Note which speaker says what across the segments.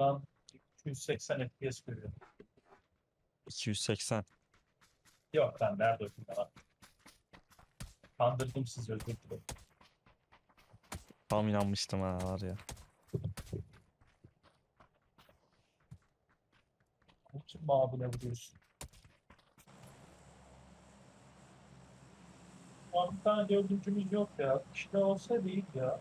Speaker 1: an 280 FPS görüyor.
Speaker 2: 280.
Speaker 1: Yok lan nerede öldüm ya? Kandırdım sizi, özür dilerim.
Speaker 2: Tam inanmıştım ha var ya.
Speaker 1: Kim abine vuruyorsun? Şu an bir tane dördüncümüz yok ya. İşte olsa değil ya.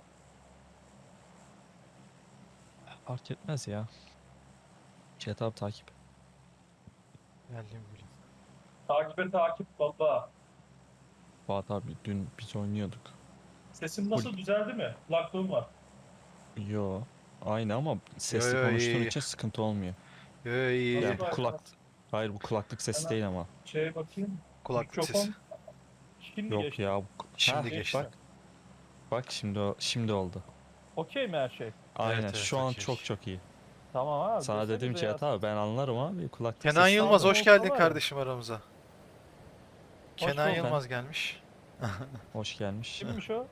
Speaker 2: Fark etmez ya. Cihat abi takip.
Speaker 3: Geldim bile.
Speaker 1: Takibe takip baba.
Speaker 2: Fuat abi dün biz oynuyorduk.
Speaker 1: Sesim nasıl, düzeldi mi? Kulaklığım var.
Speaker 2: Yo. Aynı ama sesli
Speaker 3: yo,
Speaker 2: konuştuğun
Speaker 3: iyi.
Speaker 2: için sıkıntı olmuyor.
Speaker 3: Yo, iyi.
Speaker 1: Nasıl
Speaker 2: Yani bu
Speaker 1: bak-
Speaker 2: Hayır, bu kulaklık sesi
Speaker 1: Hemen
Speaker 2: değil ama.
Speaker 1: Şeye bakayım.
Speaker 3: Kulaklık
Speaker 1: Mikrofon.
Speaker 3: sesi.
Speaker 1: Şimdi
Speaker 2: Yok
Speaker 1: geçti.
Speaker 2: ya.
Speaker 3: Şimdi
Speaker 2: Heh,
Speaker 3: geçti.
Speaker 2: Bak şimdi oldu.
Speaker 1: Okey mi her şey?
Speaker 2: Aynen
Speaker 3: Evet,
Speaker 2: şu an
Speaker 3: okey.
Speaker 2: çok iyi.
Speaker 1: Tamam abi.
Speaker 2: Sana
Speaker 1: desenize
Speaker 2: dedim
Speaker 1: ya.
Speaker 2: Cihat abi ben anlarım abi kulaklık
Speaker 3: Kenan
Speaker 2: sesi.
Speaker 3: Yılmaz
Speaker 1: sağlam
Speaker 3: hoş
Speaker 1: olsa
Speaker 3: geldin
Speaker 1: var ya.
Speaker 3: kardeşim aramıza. Kenan
Speaker 1: bulduk.
Speaker 3: Yılmaz gelmiş.
Speaker 2: Hoş gelmiş.
Speaker 1: Kimmiş o?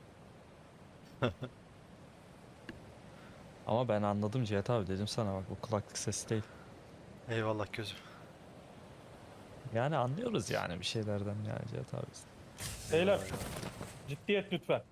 Speaker 2: Ama ben anladım Cihat abi dedim sana bak bu kulaklık sesi değil.
Speaker 3: Eyvallah gözüm.
Speaker 2: Yani anlıyoruz yani bir şeylerden yani Cihat abi.
Speaker 1: Beyler,
Speaker 3: Eyvallah.
Speaker 1: ciddiyet lütfen.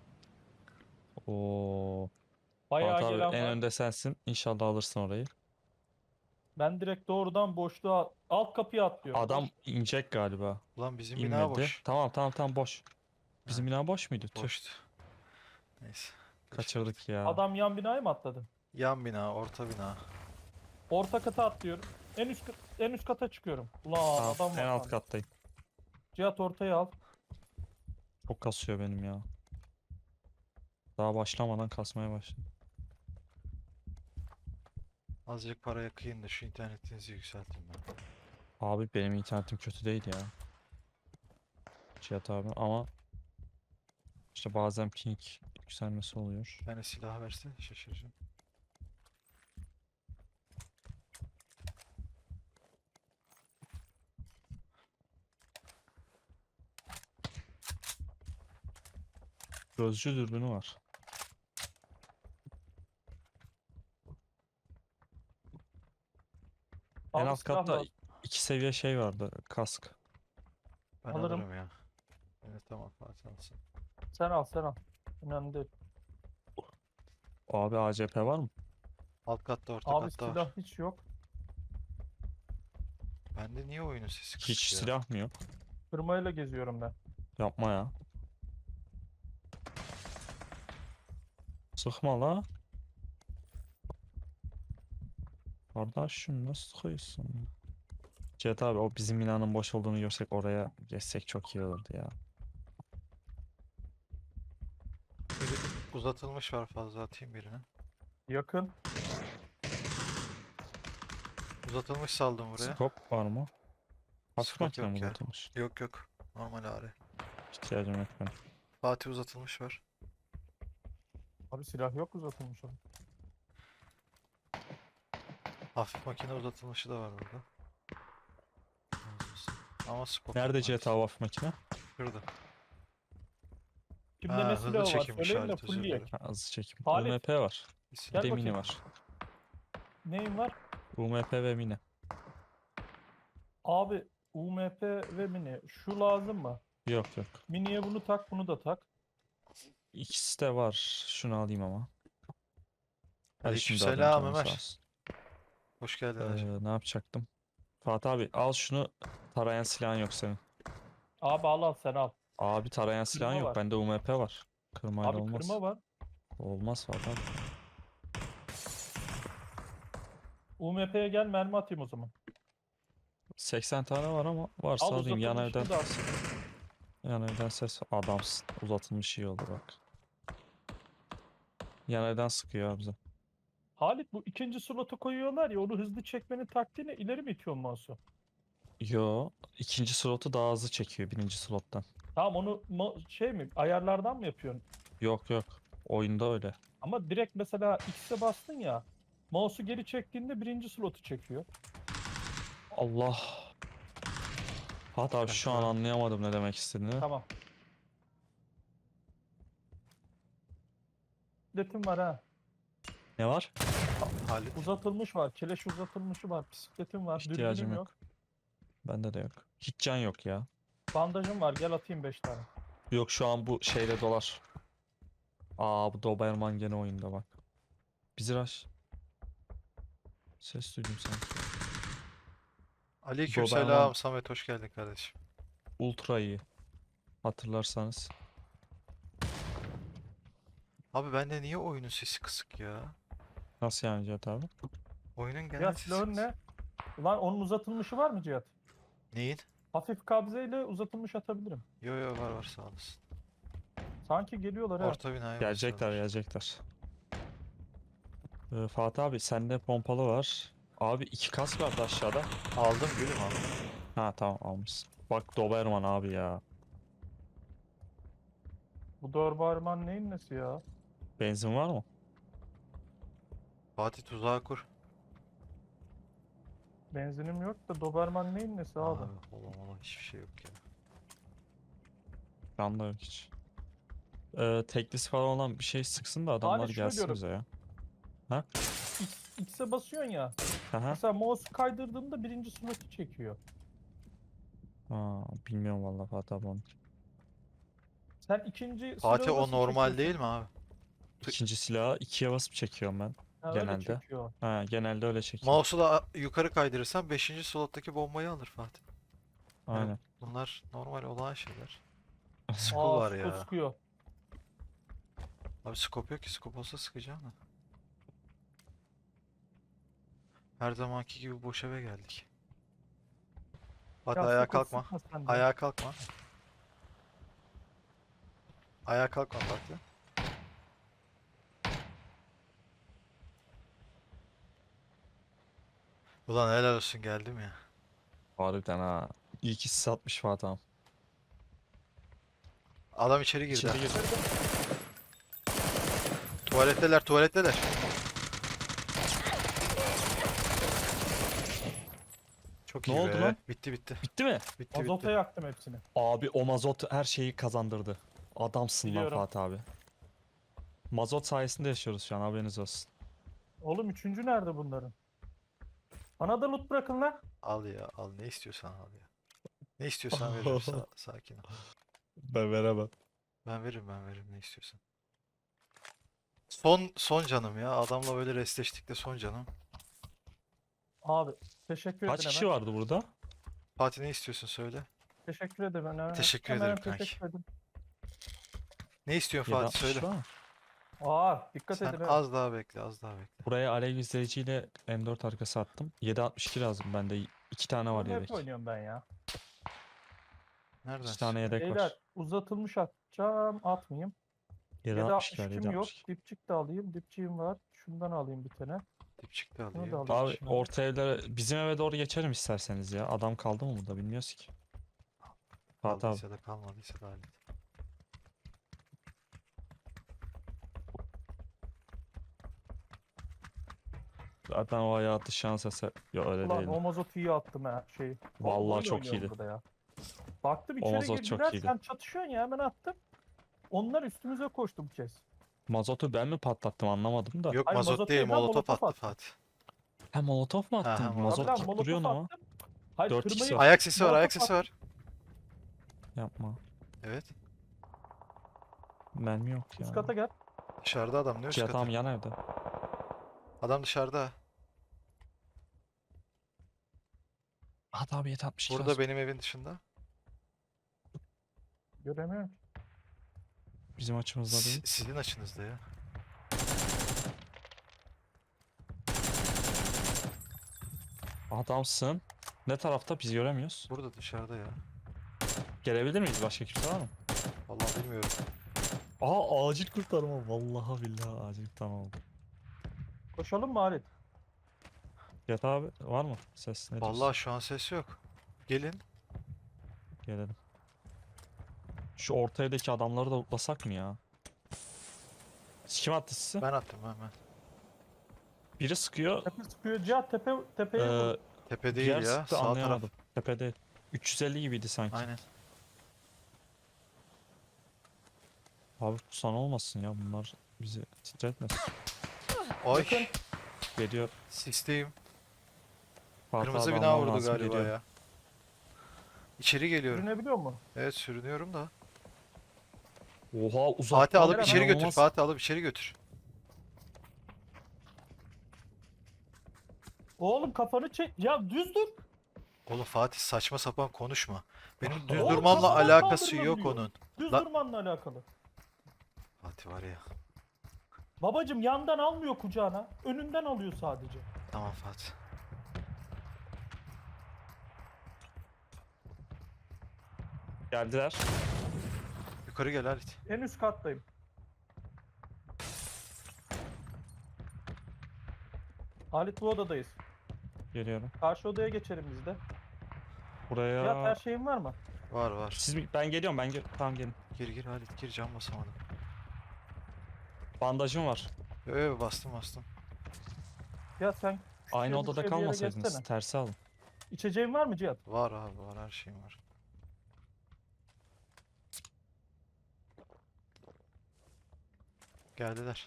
Speaker 2: Oo.
Speaker 1: Bayağı
Speaker 2: Fuat abi
Speaker 1: gelen
Speaker 2: en
Speaker 1: var.
Speaker 2: önde sensin. İnşallah alırsın orayı.
Speaker 1: Ben direkt doğrudan boşluğa alt kapıya atlıyorum.
Speaker 2: Adam inecek galiba.
Speaker 3: Ulan bizim bina
Speaker 2: İnmedi.
Speaker 3: boş.
Speaker 2: Tamam boş. Bizim bina boş muydu? Tüh.
Speaker 3: Boştu. Neyse.
Speaker 2: Kaçırdık ya.
Speaker 1: Adam yan binaya mı atladı?
Speaker 3: Yan bina, orta bina.
Speaker 1: Orta kata atlıyorum. En üst kata çıkıyorum. Ulan
Speaker 2: Tamam,
Speaker 1: adam var.
Speaker 2: en alt
Speaker 1: lan.
Speaker 2: kattayım.
Speaker 1: Cihat ortaya al.
Speaker 2: Çok kasıyor benim ya. Daha başlamadan kasmaya başladı.
Speaker 3: Azıcık para yakayım da şu internetinizi yükselteyim ben.
Speaker 2: Abi benim internetim kötü değil ya. Cihat abi ama işte bazen ping yükselmesi oluyor.
Speaker 3: Bir tane silah verse şaşıracağım.
Speaker 2: Gözcü dürbünü var. En
Speaker 1: Abi
Speaker 2: alt
Speaker 1: silah
Speaker 2: katta
Speaker 1: lazım.
Speaker 2: 2 seviye şey vardı. Kask.
Speaker 3: Ben
Speaker 1: Alırım.
Speaker 3: alırım ya. Evet tamam Fatih alsın.
Speaker 1: Sen al sen al. Önemli değil.
Speaker 2: Abi ACP var mı?
Speaker 3: Alt katta orta
Speaker 1: Abi
Speaker 3: katta
Speaker 1: silah
Speaker 3: var.
Speaker 1: hiç yok.
Speaker 3: Bende niye oyunun sesi kısık
Speaker 2: Hiç
Speaker 3: ya?
Speaker 2: silah mı yok?
Speaker 1: Kırmayla geziyorum ben.
Speaker 2: Yapma ya. Sıkma la. Kardeşim nasıl sıkıyorsun? Cihat abi o bizim binanın boş olduğunu görsek oraya geçsek çok iyi olurdu ya.
Speaker 3: Uzatılmış var fazla atayım birine.
Speaker 1: Yakın.
Speaker 3: Uzatılmış saldım buraya.
Speaker 2: Scope var mı? Hafif
Speaker 3: Scope
Speaker 2: makine mi
Speaker 3: yok ya.
Speaker 2: uzatılmış?
Speaker 3: Yok. Normal ağrı.
Speaker 2: İhtiyacım yok benim.
Speaker 3: Fatih uzatılmış var.
Speaker 1: Abi silah yok uzatılmış abi.
Speaker 3: Hafif makine uzatılmışı da var burada. Razı olsun. Ama scope
Speaker 2: Nerede
Speaker 3: yok
Speaker 2: Cihat
Speaker 3: maalesef.
Speaker 2: abi hafif makine?
Speaker 3: Şurada.
Speaker 1: Kimde
Speaker 3: Ha,
Speaker 1: ne
Speaker 3: hızlı
Speaker 1: silahı var
Speaker 3: çekim
Speaker 1: söyleyin de
Speaker 3: işareti, özür
Speaker 1: fullleyek.
Speaker 3: dilerim.
Speaker 2: Ha, hızlı çekim.
Speaker 1: Halit.
Speaker 2: UMP var.
Speaker 3: İsim.
Speaker 2: Bir
Speaker 1: Gel
Speaker 2: de mini
Speaker 1: bakayım.
Speaker 2: var.
Speaker 1: Neyin var?
Speaker 2: UMP ve mini.
Speaker 1: Abi UMP ve mini. Şu lazım mı?
Speaker 2: Yok.
Speaker 1: Miniye bunu tak, bunu da tak.
Speaker 2: İkisi de var. Şunu alayım ama. Hadi şimdi alayım
Speaker 3: Aleykümselam
Speaker 2: canım sağ
Speaker 3: Ömer.
Speaker 2: olsun.
Speaker 3: Hoş geldin hacı.
Speaker 2: Ne yapacaktım? Fatih abi al şunu. Tarayan silahın yok senin.
Speaker 1: Abi al sen al.
Speaker 2: Abi tarayan silahın
Speaker 1: Kırma
Speaker 2: yok.
Speaker 1: var.
Speaker 2: Bende UMP var. Kırmayla
Speaker 1: Abi
Speaker 2: olmaz.
Speaker 1: kırma var.
Speaker 2: Olmaz Fatih abi.
Speaker 1: UMP'ye gel, mermi atayım o zaman.
Speaker 2: 80 tane var ama varsa
Speaker 1: Al
Speaker 2: alayım. Yan
Speaker 1: uzatılmışını
Speaker 2: evden,
Speaker 1: da al.
Speaker 2: yan evden ses. Adamsın. Uzatılmış iyi oldu bak. Yan evden sıkıyor abi bize.
Speaker 1: Halit, bu ikinci slotu koyuyorlar ya, onu hızlı çekmenin taktiğini ileri mi itiyorsun mouse'u?
Speaker 2: Yo. ikinci slotu daha hızlı çekiyor birinci slottan.
Speaker 1: Tamam, onu şey mi, ayarlardan mı yapıyorsun?
Speaker 2: Yok. Oyunda öyle.
Speaker 1: Ama direkt mesela X'e bastın ya, mouse'u geri çektiğinde birinci slotu çekiyor.
Speaker 2: Allah. Fatih abi şu an
Speaker 3: Kanka.
Speaker 2: anlayamadım ne demek istediğini.
Speaker 1: Tamam. Letim var ha.
Speaker 2: Ne var?
Speaker 3: Halit.
Speaker 1: Uzatılmış var. Keleş uzatılmışı var. Bisikletim var.
Speaker 2: İhtiyacım
Speaker 1: Dürbünüm
Speaker 2: yok.
Speaker 1: yok.
Speaker 2: Bende de yok. Hiç can yok ya.
Speaker 1: Bandajım var. Gel atayım 5 tane.
Speaker 2: Yok şu an bu şeyde dolar. Aa bu Doberman gene oyunda bak. Bizi rush. Ses duydum sanki.
Speaker 3: Aleykümselam
Speaker 2: Doberman
Speaker 3: Samet, hoş geldin kardeşim.
Speaker 2: ultra iyi. Hatırlarsanız.
Speaker 3: Abi bende niye oyunun sesi kısık ya?
Speaker 2: Nasıl yani Cihat abi?
Speaker 3: Oyunun genel
Speaker 1: Cihat
Speaker 3: sesi
Speaker 1: silahın
Speaker 3: kısık.
Speaker 1: ne? Ulan onun uzatılmışı var mı Cihat?
Speaker 3: Neyin?
Speaker 1: Hafif kabzeyle uzatılmış atabilirim.
Speaker 3: Yo yo, var var, sağ olasın.
Speaker 1: Sanki geliyorlar ha.
Speaker 3: Orta binaya
Speaker 2: Gelecekler
Speaker 3: basıyorlar.
Speaker 2: gelecekler. Fatih abi sende pompalı var. Abi 2 kask vardı aşağıda.
Speaker 3: Aldım gülüm, aldım.
Speaker 2: Ha tamam almışsın. Bak Doberman abi ya.
Speaker 1: Bu Doberman neyin nesi ya?
Speaker 2: Benzin var mı?
Speaker 3: Fatih tuzağı kur.
Speaker 1: Benzinim yok da Doberman neyin nesi abi?
Speaker 3: Abi ola hiçbir şey yok ya.
Speaker 2: Can da yok hiç. Teklisi falan olan bir şey sıksın da adamlar
Speaker 1: şunu
Speaker 2: gelsin
Speaker 1: diyorum.
Speaker 2: bize ya.
Speaker 1: X'e basıyorsun ya.
Speaker 2: Aha.
Speaker 1: Mesela mouse kaydırdığında birinci slot'u çekiyor.
Speaker 2: Aa, bilmiyorum vallahi Fatih abi onu.
Speaker 1: Sen ikinci
Speaker 3: Fatih
Speaker 1: silahı
Speaker 3: o
Speaker 1: nasıl
Speaker 3: normal
Speaker 1: çekiyorsun?
Speaker 3: değil mi abi?
Speaker 2: İkinci silahı ikiye basıp çekiyorum ben
Speaker 1: Ha, öyle
Speaker 2: genelde.
Speaker 1: çekiyor.
Speaker 2: Ha, genelde öyle çekiyorum.
Speaker 3: Mouse'u da yukarı kaydırırsan 5. slottaki bombayı alır Fatih. Yani
Speaker 2: Aynen.
Speaker 3: bunlar normal olan şeyler. Skull
Speaker 1: Aa,
Speaker 3: var
Speaker 1: sıkıyor
Speaker 3: ya.
Speaker 1: sıkıyor.
Speaker 3: Abi scope yok ki, scope olsa sıkacağım da. Her zamanki gibi boş eve geldik. Fatih
Speaker 1: Ya
Speaker 3: ayağa
Speaker 1: sakın
Speaker 3: kalkma.
Speaker 1: sıkma sen de.
Speaker 3: Ayağa kalkma. Ayağa kalkma Fatih. Ulan helal olsun, geldim ya.
Speaker 2: Harbiden ha. İyi ki sis atmış Fatih abi.
Speaker 3: Adam içeri girdi.
Speaker 2: İçeri girdi.
Speaker 3: Tuvaletteler, tuvaletteler. Çok
Speaker 2: Ne
Speaker 3: iyi
Speaker 2: oldu
Speaker 3: be.
Speaker 2: lan?
Speaker 3: Bitti bitti.
Speaker 2: Bitti mi?
Speaker 3: Bitti
Speaker 1: Azota
Speaker 3: bitti.
Speaker 1: yaktım hepsini.
Speaker 2: Abi o mazot her şeyi kazandırdı. Adamsın lan
Speaker 1: Biliyorum.
Speaker 2: Fatih abi. Mazot sayesinde yaşıyoruz şu an haberiniz olsun.
Speaker 1: Oğlum üçüncü nerede bunların? Bana da loot bırakın lan.
Speaker 3: Al ya, al, ne istiyorsan al ya. Ne istiyorsan veririm, sakin ol.
Speaker 2: Ben veremem.
Speaker 3: Ben veririm ne istiyorsan. Son canım ya. Adamla böyle restleştik de son canım.
Speaker 1: Abi teşekkür
Speaker 2: Kaç
Speaker 1: ederim
Speaker 2: kişi
Speaker 1: hemen.
Speaker 2: vardı burada?
Speaker 3: Fatih ne istiyorsun söyle.
Speaker 1: Teşekkür ederim hemen.
Speaker 3: Teşekkür
Speaker 1: Hemen
Speaker 3: ederim kanki.
Speaker 1: teşekkür ederim.
Speaker 3: Ne istiyorsun
Speaker 2: 7
Speaker 3: Fatih
Speaker 2: 60
Speaker 3: söyle.
Speaker 2: var mı?
Speaker 1: Aa dikkat
Speaker 3: Sen
Speaker 1: edin ha.
Speaker 3: az daha bekle, az daha bekle.
Speaker 2: Buraya alev izleyiciyle M4 arkası attım. 7.62 lazım bende. 2 tane var
Speaker 1: Bunu hep
Speaker 2: yedek.
Speaker 1: oynuyorum ben ya.
Speaker 3: Nereden
Speaker 2: 2 tane
Speaker 3: sıkıyor?
Speaker 2: yedek
Speaker 1: Beyler
Speaker 2: var.
Speaker 1: uzatılmış atacağım. Atmayayım.
Speaker 2: 7.62 var
Speaker 1: 7.62'm yok.
Speaker 2: 7.62.
Speaker 1: Dipçik de alayım. Dipçiğim var. Şundan alayım bir tane.
Speaker 3: Dipçik de
Speaker 1: Bunu da
Speaker 3: alayım.
Speaker 1: alayım.
Speaker 2: Abi
Speaker 1: içine.
Speaker 2: orta evlere bizim eve doğru geçelim isterseniz ya. Adam kaldı mı burada bilmiyoruz ki. Fatih abi.
Speaker 3: Kaldıysa da kalmadıysa da hallet.
Speaker 2: Zaten o hayatı şans eseri. Yok öyle
Speaker 1: Ulan
Speaker 2: değil.
Speaker 1: o mazotu iyi attım ha şeyi.
Speaker 2: Vallahi
Speaker 1: Oyun
Speaker 2: çok
Speaker 1: oynuyorum
Speaker 2: iyiydi.
Speaker 1: burada ya. Baktım
Speaker 2: O
Speaker 1: içeri
Speaker 2: mazot çok
Speaker 1: girdiler.
Speaker 2: iyiydi.
Speaker 1: Sen çatışıyorsun ya hemen attım. Onlar üstümüze koştu bu kez.
Speaker 2: Mazotu ben mi patlattım anlamadım da.
Speaker 3: Yok
Speaker 1: Hayır,
Speaker 3: mazot
Speaker 1: mazot
Speaker 3: değil,
Speaker 1: değil lan,
Speaker 3: molotof
Speaker 1: molotof
Speaker 3: attı
Speaker 1: attı.
Speaker 3: Fatih.
Speaker 2: Ha molotof mu
Speaker 3: Ha, ha,
Speaker 2: attın?
Speaker 3: molotof.
Speaker 2: Mazot
Speaker 1: Tabii lan
Speaker 2: atıp
Speaker 1: molotof
Speaker 2: duruyorsun ama.
Speaker 1: attım. Hayır
Speaker 2: 4x
Speaker 1: kırmayı...
Speaker 2: var.
Speaker 3: Ayak sesi var,
Speaker 1: Molotof
Speaker 3: ayak sesi
Speaker 1: attım.
Speaker 3: var.
Speaker 2: Yapma.
Speaker 3: Evet.
Speaker 2: Mermi yok ya.
Speaker 1: Üst kata gel.
Speaker 3: Dışarıda adam, ne üst
Speaker 2: Cihat
Speaker 3: katı?
Speaker 2: abi yan evde.
Speaker 3: Adam dışarıda.
Speaker 2: Hadi abi 7.62
Speaker 3: Burada
Speaker 2: lazım.
Speaker 3: benim evin dışında.
Speaker 1: Göremiyorum.
Speaker 2: Bizim açımızda değil.
Speaker 3: Sizin açınızda ya.
Speaker 2: Adamsın. Ne tarafta biz göremiyoruz.
Speaker 3: Burada dışarıda ya.
Speaker 2: Gelebilir miyiz? Başka kimse var mı?
Speaker 3: Vallahi bilmiyorum.
Speaker 2: Aa acil kurtarma. Vallahi billahi acil kurtarma oldu.
Speaker 1: Koşalım mı Halit?
Speaker 2: Cihat abi var mı? Ses ne diyorsun?
Speaker 3: Vallahi şu an ses yok. Gelin.
Speaker 2: Gelelim. Şu orta evdeki adamları da lootlasak mı ya? Kim attı sizi?
Speaker 3: Ben attım ben.
Speaker 2: Biri sıkıyor.
Speaker 1: Tepe sıkıyor. Cihat tepeye vur.
Speaker 3: Tepe değil
Speaker 2: Diğer
Speaker 3: ya.
Speaker 2: sıktı
Speaker 3: Sağ taraf.
Speaker 2: anlayamadım. Tepede. 350 gibiydi sanki.
Speaker 3: Aynen.
Speaker 2: Abi sana olmasın ya bunlar bizi titretmesin.
Speaker 3: Ay
Speaker 1: Yakın.
Speaker 2: Geliyor.
Speaker 3: sisteyim.
Speaker 2: Fatih
Speaker 3: Kırmızı
Speaker 2: abi
Speaker 3: bina
Speaker 2: alman
Speaker 3: vurdu
Speaker 2: lazım,
Speaker 3: galiba
Speaker 2: geliyorum.
Speaker 3: ya. İçeri geliyorum.
Speaker 1: Sürünebiliyor mu?
Speaker 3: Evet sürünüyorum da.
Speaker 2: Oha uzaktan
Speaker 3: Fatih alıp
Speaker 1: Kamera
Speaker 3: içeri götür.
Speaker 2: inanılmaz.
Speaker 3: Fatih alıp içeri götür.
Speaker 1: Oğlum kafanı çek. Ya düz dur.
Speaker 3: Oğlum Fatih saçma sapan konuşma. Benim düz
Speaker 2: Oğlum,
Speaker 3: durmamla
Speaker 1: kafadan
Speaker 3: alakası yok
Speaker 1: kaldırılabiliyor.
Speaker 3: onun.
Speaker 1: Düz
Speaker 3: La-
Speaker 1: durmanla alakalı.
Speaker 3: Fatih var ya.
Speaker 1: Babacım yandan almıyor kucağına. Önünden alıyor sadece.
Speaker 3: Tamam Fatih.
Speaker 2: Geldiler.
Speaker 3: Yukarı gel Halit.
Speaker 1: En üst kattayım. Halit bu odadayız.
Speaker 2: Geliyorum.
Speaker 1: Karşı odaya geçelim biz de.
Speaker 2: Buraya.
Speaker 1: Cihat her şeyin var mı?
Speaker 3: Var var.
Speaker 2: Ben geliyorum tamam gelin.
Speaker 3: Gir Halit gir, cam basamadım.
Speaker 2: Bandajım var.
Speaker 3: Bastım bastım.
Speaker 1: Cihat sen
Speaker 2: Aynı
Speaker 1: şuraya
Speaker 2: odada
Speaker 1: bir yere
Speaker 2: kalmasaydınız.
Speaker 1: geçsene.
Speaker 2: Tersi alın.
Speaker 1: İçeceğin var mı Cihat?
Speaker 3: Var abi var, her şeyim var. Geldiler.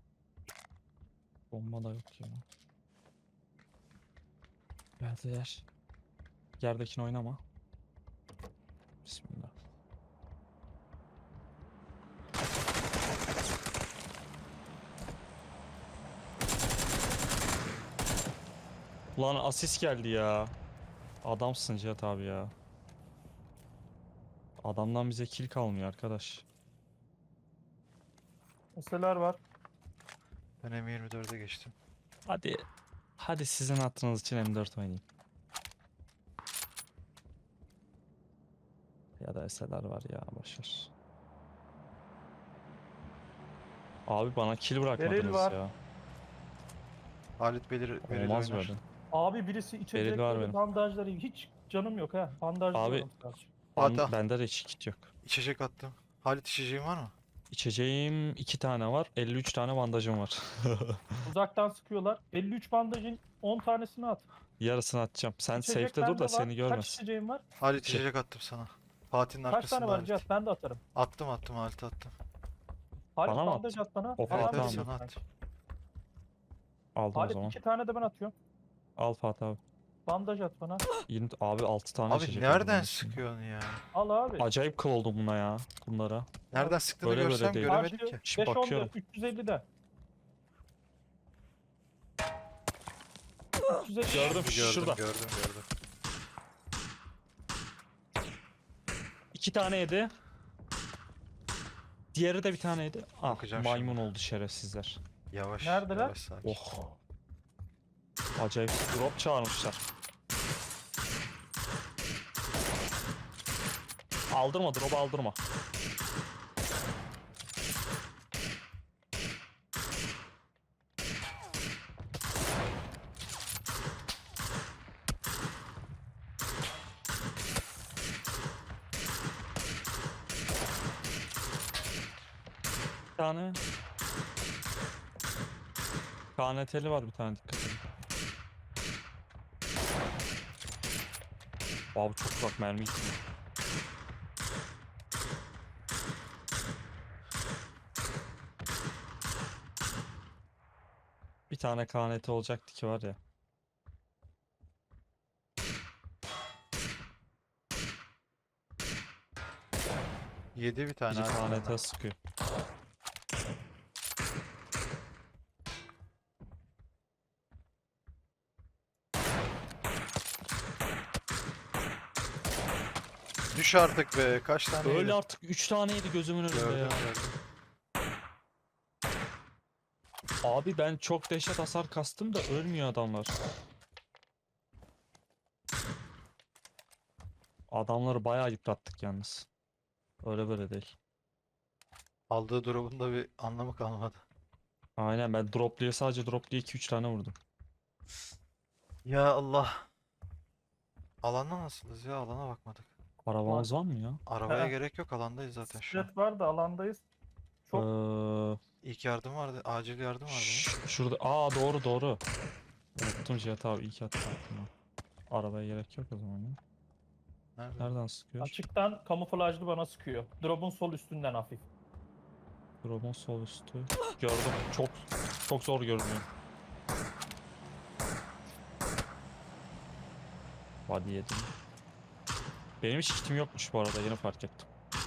Speaker 2: Bomba da yok ya. Geldiler. Yerdekini oynama. Bismillah. Ulan asist geldi ya. Adamsın Cihat abi ya. Adamdan bize kill kalmıyor arkadaş.
Speaker 1: Meseleler var.
Speaker 3: Ben M24'e geçtim.
Speaker 2: Hadi. Hadi sizin hatırınız için M4 oynayayım. Ya da SLR var ya, boşver. Abi bana kill bırakmadınız
Speaker 1: var.
Speaker 2: ya.
Speaker 3: Halit Beril
Speaker 2: Olmaz
Speaker 3: oynar.
Speaker 2: böyle.
Speaker 1: Abi birisi
Speaker 2: var
Speaker 1: içecekleri,
Speaker 2: benim.
Speaker 1: bandajları hiç canım yok ha. Bandajlıyorum sadece.
Speaker 3: Fatih.
Speaker 2: Bende de hiç kit yok.
Speaker 3: İçecek attım. Halit içeceğin var mı?
Speaker 2: İçeceğim 2 tane var. 53 tane bandajım var.
Speaker 1: Uzaktan sıkıyorlar. 53 bandajın 10 tanesini at.
Speaker 2: Yarısını atacağım. Sen
Speaker 1: İçecek
Speaker 2: safe'de dur
Speaker 1: bende
Speaker 2: da
Speaker 1: var.
Speaker 2: seni
Speaker 1: Kaç
Speaker 2: görmesin.
Speaker 1: içeceğin var?
Speaker 3: Halit
Speaker 2: İki.
Speaker 3: içecek attım sana. Fatih'in
Speaker 1: Kaç
Speaker 3: arkasında
Speaker 1: tane var
Speaker 3: Halit.
Speaker 1: Cihat? Ben de atarım.
Speaker 3: Attım Halit attım.
Speaker 1: Halit
Speaker 2: Bana mı
Speaker 1: bandaj at bana.
Speaker 2: Of,
Speaker 1: Alan
Speaker 2: tamam.
Speaker 1: veriyorsun
Speaker 3: Sana
Speaker 1: sanki.
Speaker 3: at.
Speaker 2: Aldım o
Speaker 1: Halit
Speaker 2: zaman.
Speaker 1: 2 tane de ben atıyorum.
Speaker 2: Al Fatih abi.
Speaker 1: Bandaj at bana.
Speaker 2: Abi 6 tane
Speaker 3: Abi
Speaker 2: içecek aldım
Speaker 3: nereden
Speaker 2: ben şimdi.
Speaker 3: sıkıyorsun ya?
Speaker 1: Al abi.
Speaker 2: Acayip kıl oldum buna ya. Bunlara.
Speaker 3: Nereden sıktığını
Speaker 2: Böyle
Speaker 3: görsem
Speaker 2: değil.
Speaker 3: göremedim
Speaker 1: Karşı
Speaker 3: ki.
Speaker 2: Şimdi
Speaker 1: 5
Speaker 2: bakıyorum.
Speaker 1: 350'de. 350.
Speaker 2: Gördüm.
Speaker 3: Gördüm
Speaker 2: Şurada.
Speaker 3: gördüm.
Speaker 2: 2 tane yedi. Diğeri de bir tane yedi. Ah,
Speaker 3: Bakacağım
Speaker 2: maymun
Speaker 3: şimdi.
Speaker 2: oldu şerefsizler.
Speaker 3: Yavaş.
Speaker 1: Neredeler?
Speaker 3: Yavaş sakin.
Speaker 2: Oh. Acayip drop çağırmışlar. Aldırma, drop aldırma. Bir tane. KNT'li var bir tane, dikkat edin. Abi çok uzak mermi gitti. Bir tane KNT olacaktı ki var ya.
Speaker 3: Yedi bir tane.
Speaker 2: Biri
Speaker 3: arkadan.
Speaker 2: KNT sıkıyor.
Speaker 3: Düş artık be. Kaç tane
Speaker 2: Öyle
Speaker 3: yedin?
Speaker 2: artık 3 taneydi gözümün önünde
Speaker 3: Gördüm
Speaker 2: ya.
Speaker 3: gördüm.
Speaker 2: Abi ben çok dehşet hasar kastım da ölmüyor adamlar. Adamları bayağı yıprattık yalnız. Öyle böyle değil.
Speaker 3: Aldığı drop'un da bir anlamı kalmadı.
Speaker 2: Aynen, ben sadece dropluya 2-3 tane vurdum.
Speaker 3: Ya Allah. Alanda nasılız ya? Alana bakmadık.
Speaker 2: Arabamız var mı ya?
Speaker 3: Arabaya
Speaker 1: He.
Speaker 3: gerek yok. Alandayız zaten şu an.
Speaker 1: Jet var da alandayız. Çok
Speaker 3: İlk yardım vardı. Acil yardım vardı.
Speaker 2: Şurada. Aa, doğru. Unuttum Cihat abi, iyi ki attın aklıma. Arabaya gerek yok o zaman ya.
Speaker 3: Nerede?
Speaker 2: Nereden sıkıyor?
Speaker 1: açıktan kamuflajlı bana sıkıyor. Drop'un sol üstünden hafif.
Speaker 2: Drop'un sol üstü. Gördüm. Çok zor görünüyor. Body yedim. Benim hiç kitim yokmuş bu arada, yeni fark ettim.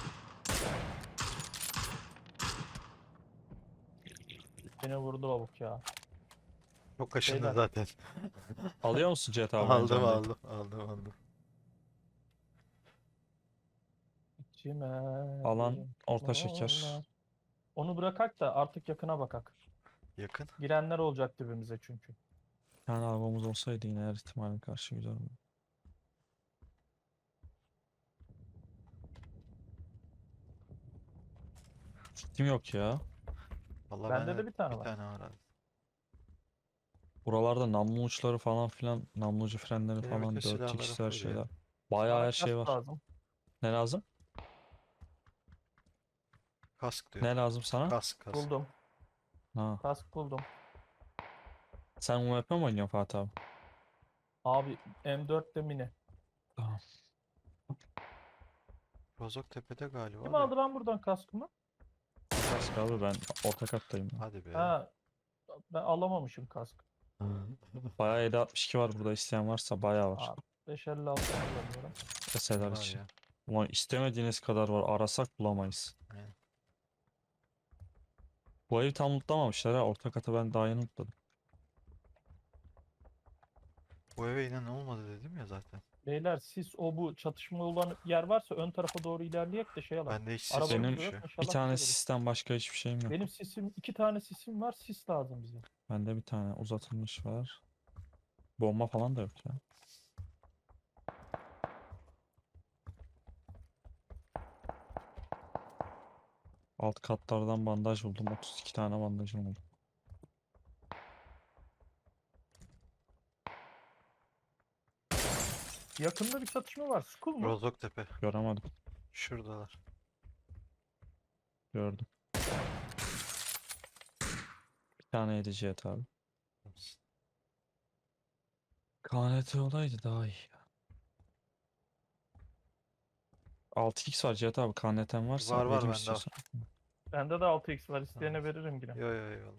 Speaker 1: Beni vurdu lavuk ya.
Speaker 3: Çok kaşındı
Speaker 1: Beyler.
Speaker 3: zaten.
Speaker 2: Alıyor musun GTA
Speaker 3: Aldım
Speaker 2: oyuncağını?
Speaker 3: aldım.
Speaker 1: İçime
Speaker 2: Alan
Speaker 1: bir
Speaker 2: orta şeker.
Speaker 1: dolar. Onu bırakak da artık yakına bakak.
Speaker 3: Yakın.
Speaker 1: Girenler olacak dibimize çünkü.
Speaker 2: Bir tane arabamız olsaydı yine her ihtimale karşı güzel olurdu. Kitim yok ya.
Speaker 3: Vallahi
Speaker 1: Bende
Speaker 3: bende
Speaker 1: de bir tane
Speaker 3: bir
Speaker 1: var.
Speaker 3: tane var abi.
Speaker 2: Buralarda namlu uçları falan filan, namlucu frenleri
Speaker 3: Benim bütün
Speaker 2: falan,
Speaker 3: silahlara
Speaker 2: 4x'ler
Speaker 3: full ya.
Speaker 2: şeyler. Bayağı
Speaker 1: Bana
Speaker 2: her şey
Speaker 1: kask
Speaker 2: var.
Speaker 1: lazım.
Speaker 2: Ne lazım?
Speaker 3: Kask diyor.
Speaker 2: Ne lazım sana?
Speaker 3: Kask.
Speaker 1: Buldum.
Speaker 2: Ha.
Speaker 1: Kask buldum.
Speaker 2: Sen UMP mi oynuyorsun Fatih abi?
Speaker 1: Abi M4'te mini.
Speaker 2: Tamam.
Speaker 3: Rozok tepede galiba
Speaker 1: Kim
Speaker 3: da.
Speaker 1: aldı lan buradan kaskımı?
Speaker 2: Kask abi, ben orta kattayım ya.
Speaker 3: Hadi be.
Speaker 1: Ha, ben alamamışım kask.
Speaker 2: Bayağı 762 var burada, isteyen varsa bayağı var.
Speaker 1: Abi 556 kullanıyorum.
Speaker 2: Eserler
Speaker 3: Var
Speaker 2: için.
Speaker 3: ya.
Speaker 2: Ulan istemediğiniz kadar var. Arasak bulamayız.
Speaker 3: Aynen.
Speaker 2: Bu evi tam lootlamamışlar ha. Orta katı ben daha yeni lootladım.
Speaker 3: Bu eve inen olmadı dedim ya zaten.
Speaker 1: Beyler siz o bu çatışma olan yer varsa ön tarafa doğru ilerleyek de şey alalım.
Speaker 3: Bende hiç sis
Speaker 1: Arabamız
Speaker 2: Benim
Speaker 1: da
Speaker 3: yokmuş
Speaker 1: yok.
Speaker 3: ya.
Speaker 2: Bir
Speaker 1: İnşallah
Speaker 2: tane
Speaker 1: buluruz.
Speaker 2: sistem, başka hiçbir şeyim yok.
Speaker 1: Benim sisim, 2 tane sisim var. Sis lazım bize.
Speaker 2: Bende bir tane uzatılmış var. Bomba falan da yok ya. Alt katlardan bandaj buldum. 32 tane bandajım oldu.
Speaker 1: Yakında bir çatışma var. School mu?
Speaker 3: Rozok tepe.
Speaker 2: Göremedim.
Speaker 3: Şuradalar.
Speaker 2: Gördüm. Bir tane 7 abi. KNT olaydı daha iyi. 6x var Cihat abi. KNT'm varsa
Speaker 3: Var
Speaker 2: vereyim
Speaker 3: bende var.
Speaker 2: istiyorsan.
Speaker 1: Bende de 6x var. İsteyene
Speaker 3: Tamam.
Speaker 1: veririm yine.
Speaker 3: Yo eyvallah.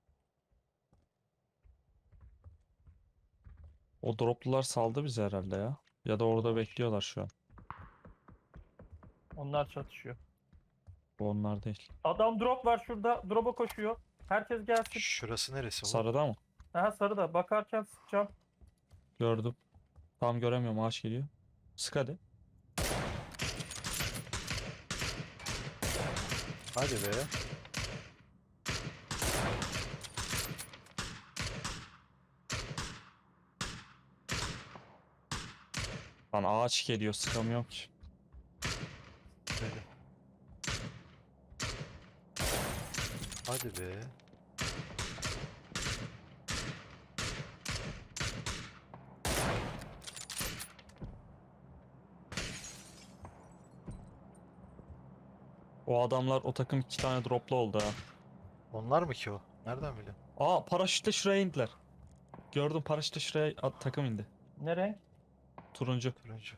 Speaker 2: O droplular saldı bizi herhalde ya. Ya da orada
Speaker 1: Olur.
Speaker 2: bekliyorlar şu an.
Speaker 1: Onlar çatışıyor.
Speaker 2: Bu onlar değil.
Speaker 1: Adam drop var şurada. Drop'a koşuyor. Herkes gelsin.
Speaker 3: Şurası neresi bu?
Speaker 2: Sarıda mı?
Speaker 1: Aha sarıda. Bakarken sıkacağım.
Speaker 2: Gördüm. Tam göremiyorum, ağaç geliyor. Sık hadi.
Speaker 3: Hadi be.
Speaker 2: Lan ağaç geliyor, sıkamıyorum ki.
Speaker 3: Böyle. Hadi be.
Speaker 2: O adamlar, o takım 2 tane droplu oldu ha.
Speaker 3: Onlar mı ki o? Nereden biliyorsun?
Speaker 2: Aa, paraşütle şuraya indiler. Gördüm, paraşütle şuraya takım indi.
Speaker 1: Ne renk?
Speaker 2: Turuncu.
Speaker 3: Turuncu.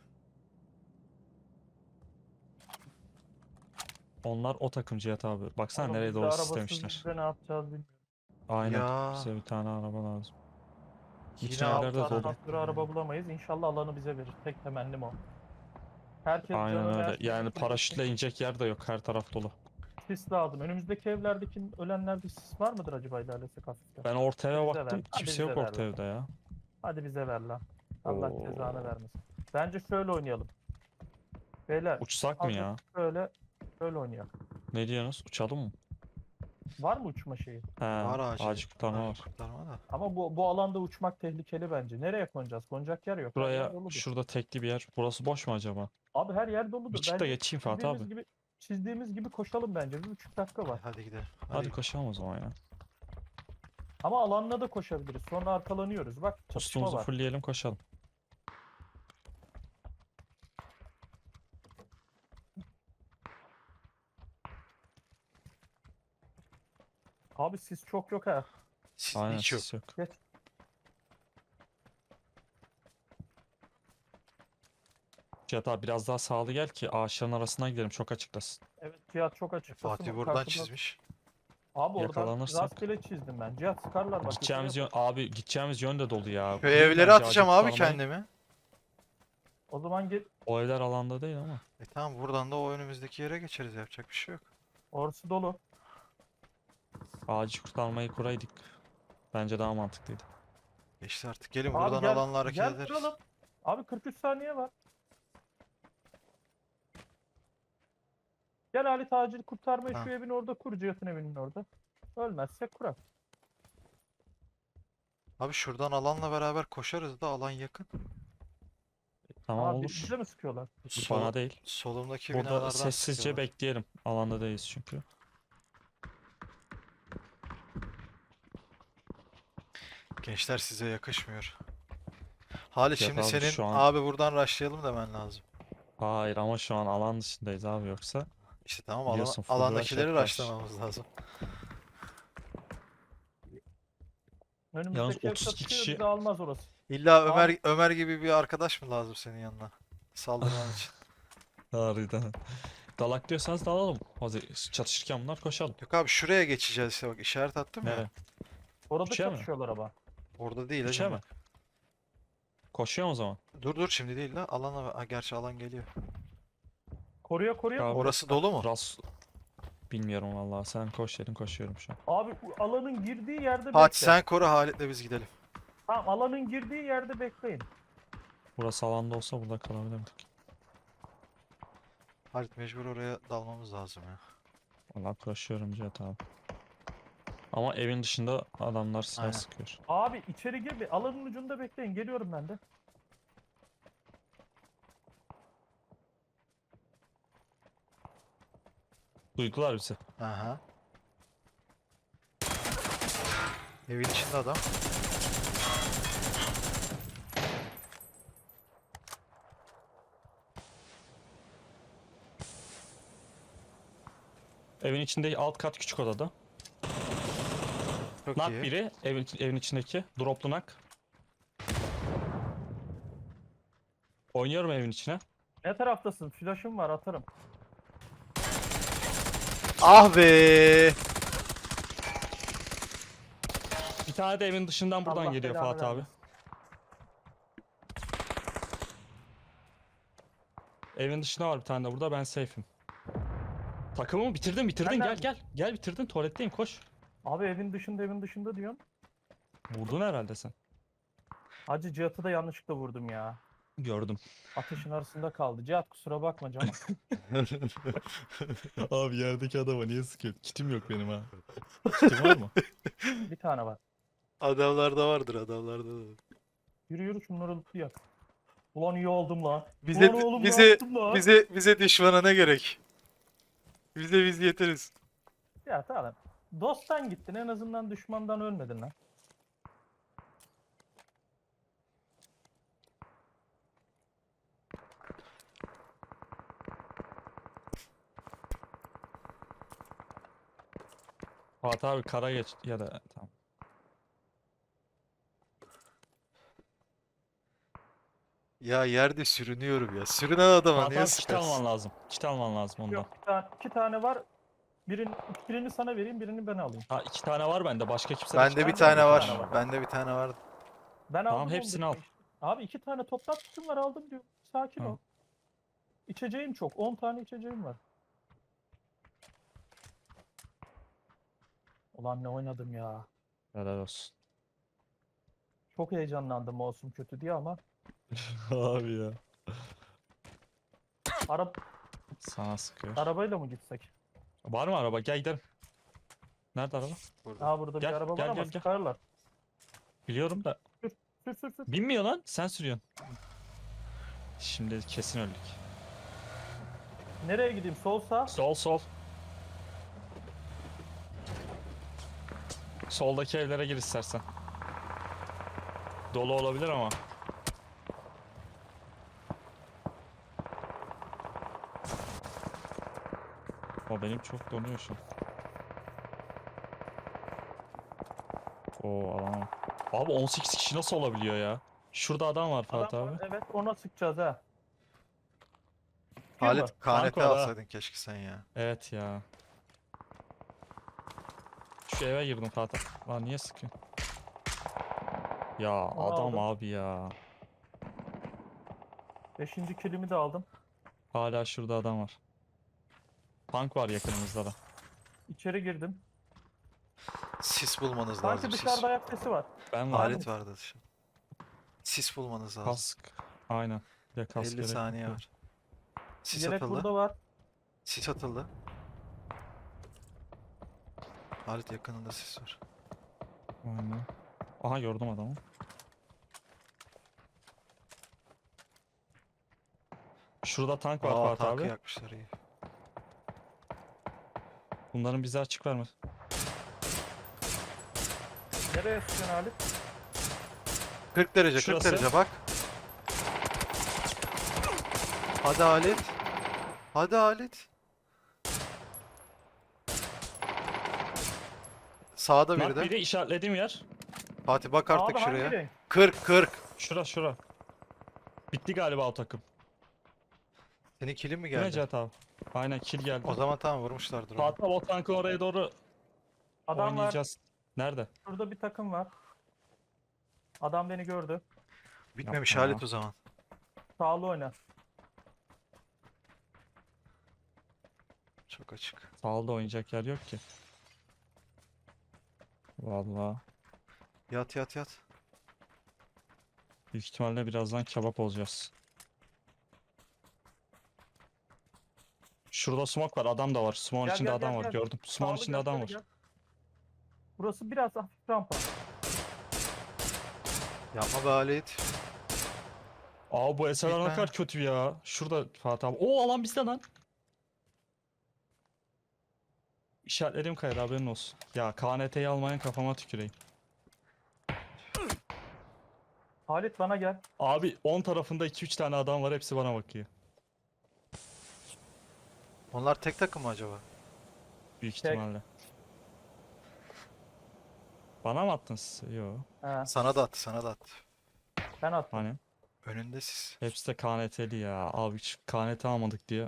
Speaker 2: Onlar o takım Cihat abi. Baksana
Speaker 1: Oğlum
Speaker 2: nereye
Speaker 1: biz de
Speaker 2: doğru
Speaker 1: arabasız
Speaker 2: sistemişler.
Speaker 1: biz de ne yapacağız bilmiyorum.
Speaker 2: Aynen.
Speaker 3: Ya.
Speaker 2: Bize bir tane araba lazım. Bütün
Speaker 3: Yine
Speaker 2: yerlerde
Speaker 3: altı
Speaker 2: dolu.
Speaker 3: tane
Speaker 1: Bir araba bulamayız. İnşallah alanı bize verir. Tek temennim o. Herkes
Speaker 2: Aynen
Speaker 1: canı
Speaker 2: öyle.
Speaker 1: versin,
Speaker 2: Yani
Speaker 1: full
Speaker 2: paraşütle inecek yer de yok. Her taraf dolu.
Speaker 1: sis lazım. Önümüzdeki evlerdeki ölenlerde sis var mıdır acaba ilerlesek hafiften?
Speaker 2: Ben orta eve
Speaker 1: Bize ver.
Speaker 2: baktım.
Speaker 1: Hadi
Speaker 2: Kimse
Speaker 1: bize
Speaker 2: yok
Speaker 1: ver
Speaker 2: orta
Speaker 1: lan.
Speaker 2: evde ya.
Speaker 1: Hadi bize ver lan. Allah
Speaker 2: Oo.
Speaker 1: cezanı vermesin. Bence şöyle oynayalım. Beyler
Speaker 2: Uçsak mı
Speaker 1: azıcık
Speaker 2: ya?
Speaker 1: şöyle oynayalım.
Speaker 2: Ne diyorsunuz? Uçalım mı?
Speaker 1: Var mı uçma şeyi?
Speaker 2: He,
Speaker 3: Var
Speaker 2: ağacı kurtarma var.
Speaker 3: kurtarma da.
Speaker 1: Ama bu alanda uçmak tehlikeli bence. Nereye konacağız? Konacak yer yok. Her yer
Speaker 2: Buraya,
Speaker 1: doludur.
Speaker 2: şurada tekli bir yer. Burası boş mu acaba?
Speaker 1: Abi her yer
Speaker 2: Bir
Speaker 1: doludur.
Speaker 2: çık da geçeyim Fatih abi.
Speaker 1: Çizdiğimiz gibi koşalım bence. 1,5 dakika var.
Speaker 3: Hadi gidelim.
Speaker 2: Hadi koşalım o zaman ya.
Speaker 1: Ama alanla da koşabiliriz. Sonra arkalanıyoruz. Bak çatışma
Speaker 2: Postumuzu
Speaker 1: var.
Speaker 2: fullleyelim, koşalım.
Speaker 1: Abi sis çok yok ha.
Speaker 3: Siz
Speaker 2: Aynen,
Speaker 3: hiç yok.
Speaker 2: sis yok.
Speaker 1: Geç.
Speaker 2: Cihat abi biraz daha sağlı gel ki ağaçların arasına gidelim, çok açıklasın.
Speaker 1: Evet Cihat çok açıktasın.
Speaker 3: Fatih
Speaker 1: o
Speaker 3: buradan
Speaker 1: karşıda-
Speaker 3: çizmiş.
Speaker 1: Abi oradan
Speaker 2: Yakalanırsak-
Speaker 1: rastgele çizdim ben. Cihat sıkarlar bak.
Speaker 2: Gideceğimiz yön abi gideceğimiz yön de dolu ya.
Speaker 3: Şu
Speaker 2: Kurayım
Speaker 3: evlere
Speaker 2: bence
Speaker 3: atacağım
Speaker 2: acil
Speaker 3: abi
Speaker 2: kurtarmayı.
Speaker 3: kendimi.
Speaker 1: O zaman git.
Speaker 2: O evler alanda değil ama.
Speaker 3: Tamam buradan da o önümüzdeki yere geçeriz. Yapacak bir şey yok.
Speaker 1: Orası dolu.
Speaker 2: Acil kurtarmayı kuraydık. Bence daha mantıklıydı.
Speaker 3: Geçti artık. Gelin
Speaker 1: Abi
Speaker 3: buradan
Speaker 1: gel,
Speaker 3: alanla hareket
Speaker 1: gel
Speaker 3: ederiz.
Speaker 1: kuralım. Abi 43 saniye var. Gel Halit acil kurtarmayı
Speaker 3: Ha.
Speaker 1: şu evin orada kur. Cihat'ın evinin orada. Ölmezsek kurar.
Speaker 3: Abi şuradan alanla beraber koşarız da alan yakın.
Speaker 2: Tamam
Speaker 1: Abi
Speaker 2: olur.
Speaker 1: bize mi sıkıyorlar?
Speaker 2: Bana değil.
Speaker 3: Solumdaki
Speaker 2: Burada
Speaker 3: binalardan
Speaker 2: sessizce
Speaker 3: sıkıyorlar.
Speaker 2: bekleyelim. Alanda değiliz çünkü.
Speaker 3: Gençler size yakışmıyor. Halit
Speaker 2: Yok
Speaker 3: şimdi
Speaker 2: abi,
Speaker 3: senin
Speaker 2: şu an-
Speaker 3: abi buradan rushlayalım demen lazım.
Speaker 2: Hayır ama şu an alan dışındayız abi yoksa.
Speaker 3: İşte tamam
Speaker 2: Biliyorsun, full rush
Speaker 3: alandakileri
Speaker 2: yaparız.
Speaker 3: rushlamamız lazım.
Speaker 1: Önümüzdeki ev
Speaker 2: 32
Speaker 1: çatışıyor,
Speaker 2: kişi-
Speaker 1: bizi almaz orası.
Speaker 3: İlla
Speaker 1: Abi-
Speaker 3: Ömer gibi bir arkadaş mı lazım senin yanına? Saldırman için.
Speaker 2: Harbiden. Dalak diyorsanız dalalım. Hadi çatışırken bunlar koşalım.
Speaker 3: Yok abi şuraya geçeceğiz işte bak işaret attım ya.
Speaker 2: Nereye?
Speaker 1: Orada
Speaker 2: Üçe mi?
Speaker 1: çatışıyorlar ama.
Speaker 3: Orada değil
Speaker 2: Üçe
Speaker 3: hacım
Speaker 2: mi?
Speaker 3: bak.
Speaker 2: Koşuyor o zaman.
Speaker 3: Dur şimdi değil la. Gerçi alan geliyor.
Speaker 1: Koruya koruya.
Speaker 2: Abi,
Speaker 3: Orası dolu mu?
Speaker 2: Ras bilmiyorum vallahi. Sen koş dedin koşuyorum şu an.
Speaker 1: Abi alanın girdiği yerde
Speaker 3: Fatih
Speaker 1: bekle.
Speaker 3: sen koru Halit'le biz gidelim.
Speaker 1: Tamam alanın girdiği yerde bekleyin.
Speaker 2: Burası alanda olsa burada kalabilirdik.
Speaker 3: Halit mecbur oraya dalmamız lazım ya.
Speaker 2: Vallahi koşuyorum Cihat abi. Ama evin dışında adamlar silah
Speaker 3: Aynen.
Speaker 2: sıkıyor.
Speaker 1: Abi içeri gir bir alanın ucunda bekleyin. Geliyorum ben de.
Speaker 2: Duygular bizi.
Speaker 3: Aha. Evin içinde adam.
Speaker 2: Evin içinde alt kat küçük odada.
Speaker 3: Çok
Speaker 2: Nak
Speaker 3: iyi.
Speaker 2: biri evin içindeki. Droplu nak. Oynuyorum evin içine.
Speaker 1: Ne taraftasın? Flash'ım var atarım.
Speaker 3: Ah be!
Speaker 2: Bir tane de evin dışından buradan
Speaker 1: Allah
Speaker 2: geliyor
Speaker 1: belanı
Speaker 2: Fatih abi.
Speaker 1: vermesin.
Speaker 2: Evin dışında var bir tane de burada, ben safe'im. Takımımı bitirdin
Speaker 1: Ben
Speaker 2: gel
Speaker 1: neredeyim?
Speaker 2: gel bitirdin, tuvaletteyim koş.
Speaker 1: Abi evin dışında diyorum.
Speaker 2: Vurdun herhalde sen.
Speaker 1: Hacı Cihat'ı da yanlışlıkla vurdum ya.
Speaker 2: Gördüm.
Speaker 1: Ateşin arasında kaldı. Cihat kusura bakma canım.
Speaker 2: Abi yerdeki adama niye sıkıyor? Kitim yok benim ha. Kitim var mı?
Speaker 1: Bir tane var.
Speaker 3: Adamlarda vardır adamlarda da.
Speaker 1: Yürü yürü şunları lootlayak. Ulan iyi oldum lan.
Speaker 3: Bize
Speaker 1: Ulan oğlum ne
Speaker 3: bize
Speaker 1: yaptım lan?
Speaker 3: bize düşmana ne gerek? Biz yeteriz.
Speaker 1: Ya tamam. Dosttan gittin en azından düşmandan ölmedin lan.
Speaker 2: Fatih abi kara geç ya da tamam.
Speaker 3: Ya yerde sürünüyorum ya. Sürünen adama
Speaker 2: Fatih
Speaker 3: niye
Speaker 2: abi kit
Speaker 3: sıkarsın?
Speaker 2: alman lazım. Kit alman lazım ondan.
Speaker 1: Yok iki tane var. Birini sana vereyim birini ben alayım.
Speaker 2: Ha 2 tane var bende, başka kimse
Speaker 3: Bende bir
Speaker 1: Bende
Speaker 3: tane
Speaker 1: bir
Speaker 3: var.
Speaker 1: tane var.
Speaker 3: Bende bir tane var.
Speaker 1: Ben
Speaker 2: Tamam,
Speaker 1: aldım
Speaker 2: hepsini al.
Speaker 1: işte. Abi 2 tane toplam tutum var aldım diyor. Sakin
Speaker 2: Tamam.
Speaker 1: ol. İçeceğim çok. 10 tane içeceğim var. Ulan ne oynadım ya.
Speaker 2: Helal olsun.
Speaker 1: Çok heyecanlandım olsun kötü diye ama
Speaker 2: Abi ya.
Speaker 1: ara
Speaker 2: Sana sıkıyor.
Speaker 1: arabayla mı gitsek?
Speaker 2: Var mı araba? Gel gidelim. Nerede araba?
Speaker 3: Burada.
Speaker 1: Aa burada
Speaker 2: Gel,
Speaker 1: bir araba
Speaker 2: gel,
Speaker 1: var ama
Speaker 2: gel, gel.
Speaker 1: sıkarlar.
Speaker 2: Biliyorum da.
Speaker 1: Sür.
Speaker 2: Binmiyor lan. Sen sürüyorsun. Şimdi kesin öldük.
Speaker 1: Nereye gideyim? Sol sağ.
Speaker 2: Sol. Soldaki evlere gir istersen. Dolu olabilir ama. O benim çok donuyor şu an. Oo alamam. Abi 18 kişi nasıl olabiliyor ya? Şurada adam var Fatih
Speaker 1: Adam
Speaker 2: abi.
Speaker 1: var, evet ona sıkacağız ha. Sıkıyor mu?
Speaker 3: Halit
Speaker 2: Tank
Speaker 3: KNT
Speaker 2: var ha.
Speaker 3: alsaydın keşke sen ya.
Speaker 2: Evet ya. Şu eve girdim Fatih. Lan niye sıkıyor? Ya
Speaker 1: Onu
Speaker 2: adam
Speaker 1: aldım.
Speaker 2: abi ya.
Speaker 1: 5. kilimi de aldım.
Speaker 2: Hala şurada adam var. Tank var yakınımızda da.
Speaker 1: İçeri girdim.
Speaker 3: Sis bulmanız
Speaker 1: Sanki
Speaker 3: lazım. Sis.
Speaker 1: dışarıda ayak sesi var.
Speaker 2: Ben var.
Speaker 3: Halit vardı dışarı. Sis bulmanız lazım.
Speaker 2: Kask. Aynen. Bir de kask
Speaker 3: 50
Speaker 2: gerek
Speaker 3: saniye
Speaker 2: yok.
Speaker 3: var. Sis
Speaker 1: Yelek
Speaker 3: atıldı.
Speaker 1: burada var.
Speaker 3: Sis atıldı. Halit yakınında sis var.
Speaker 2: Aynen. Aha gördüm adamı. Şurada tank var
Speaker 3: Aa
Speaker 2: Fatih
Speaker 3: tankı
Speaker 2: abi.
Speaker 3: yakmışlar iyi.
Speaker 2: Bunların bize açık vermez.
Speaker 1: Nereye sıkıyorsun Halit?
Speaker 3: 40 derece 40
Speaker 2: Şurası.
Speaker 3: derece bak. Hadi Halit. Hadi Halit. Sağda biri
Speaker 2: Bak
Speaker 3: de.
Speaker 2: biri işaretlediğim yer.
Speaker 3: Fatih bak artık
Speaker 1: Abi hangi
Speaker 3: şuraya.
Speaker 1: renk?
Speaker 3: 40.
Speaker 2: Şura. Bitti galiba o takım.
Speaker 3: Senin kilin mi
Speaker 2: Değil mi
Speaker 3: geldi?
Speaker 2: Cihat abi? Aynen kill geldi.
Speaker 3: O zaman tamam vurmuşlardır onu.
Speaker 2: Fatih abi o tankın oraya doğru
Speaker 1: Adam var.
Speaker 2: oynayacağız. Nerede?
Speaker 1: Şurada bir takım var. Adam beni gördü.
Speaker 3: Bitmemiş
Speaker 2: Yapma ya.
Speaker 3: Halit o zaman.
Speaker 1: Sağlı oyna.
Speaker 3: Çok açık.
Speaker 2: Sağda oynayacak yer yok ki. Vallahi.
Speaker 3: Yat yat yat.
Speaker 2: Büyük ihtimalle birazdan kebap olacağız. Şurada smoke var, adam da var. Smoke'un
Speaker 1: Gel,
Speaker 2: içinde
Speaker 1: gel,
Speaker 2: adam
Speaker 1: gel,
Speaker 2: var,
Speaker 1: gel.
Speaker 2: gördüm. Smoke'un
Speaker 1: Sağlı
Speaker 2: içinde
Speaker 1: gel,
Speaker 2: adam
Speaker 1: şöyle
Speaker 2: var.
Speaker 1: gel. Burası biraz hafif rampa.
Speaker 3: Yapma be Halit.
Speaker 2: Aa bu SLR ne
Speaker 3: Bitme.
Speaker 2: kadar kötü ya. Şurada Fatih abi. Oo alan bizde lan. İşaretlerim kayar haberin olsun. Ya KNT'yi almayan kafama tüküreyim.
Speaker 1: Halit bana gel.
Speaker 2: Abi 10 tarafında 2-3 tane adam var, hepsi bana bakıyor.
Speaker 3: Onlar tek takım mı acaba?
Speaker 2: Büyük
Speaker 1: Tek.
Speaker 2: ihtimalle. Bana mı attın siz? Yo.
Speaker 1: He,
Speaker 3: Sana da attı sana da attı.
Speaker 1: ben attım.
Speaker 2: Hani?
Speaker 3: Önünde siz.
Speaker 2: Hepsi de KNT'li ya. Abi hiç KNT almadık diye.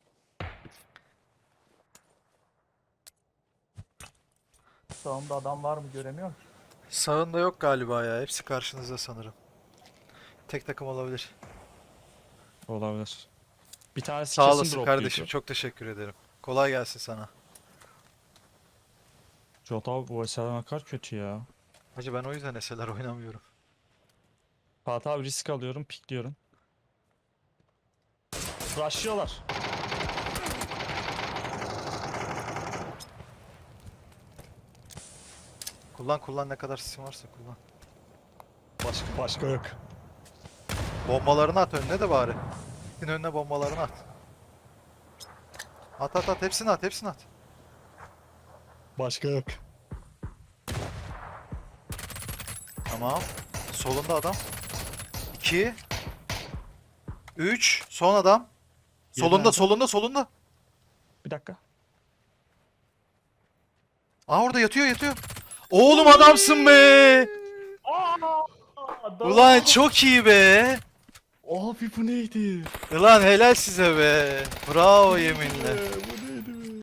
Speaker 1: Sağımda adam var mı göremiyorum ki.
Speaker 3: Sağında yok galiba ya. Hepsi karşınızda sanırım. Tek takım olabilir.
Speaker 2: Olabilir. Bir tanesi
Speaker 3: Sağ
Speaker 2: kesin
Speaker 3: olasın
Speaker 2: dropluydu.
Speaker 3: kardeşim. Çok teşekkür ederim. Kolay gelsin sana.
Speaker 2: Jota abi bu SLR ne kadar kötü ya.
Speaker 3: Hacı ben o yüzden SLR oynamıyorum.
Speaker 2: Fatih abi risk alıyorum, pikliyorum. Rushlıyorlar.
Speaker 3: Kullan ne kadar sisin varsa kullan.
Speaker 2: Başka yok.
Speaker 3: Bombalarını at önüne de bari. Senin önüne bombalarını at. At hepsini at.
Speaker 2: Başka yok.
Speaker 3: Tamam. Solunda adam. 2 3 son adam.
Speaker 2: Yedi
Speaker 3: Solunda.
Speaker 2: Bir dakika.
Speaker 3: Aa orada yatıyor. Oğlum adamsın be. Ulan çok iyi be.
Speaker 2: Abi bu neydi?
Speaker 3: Ulan helal size be. Bravo yeminle.
Speaker 2: Bu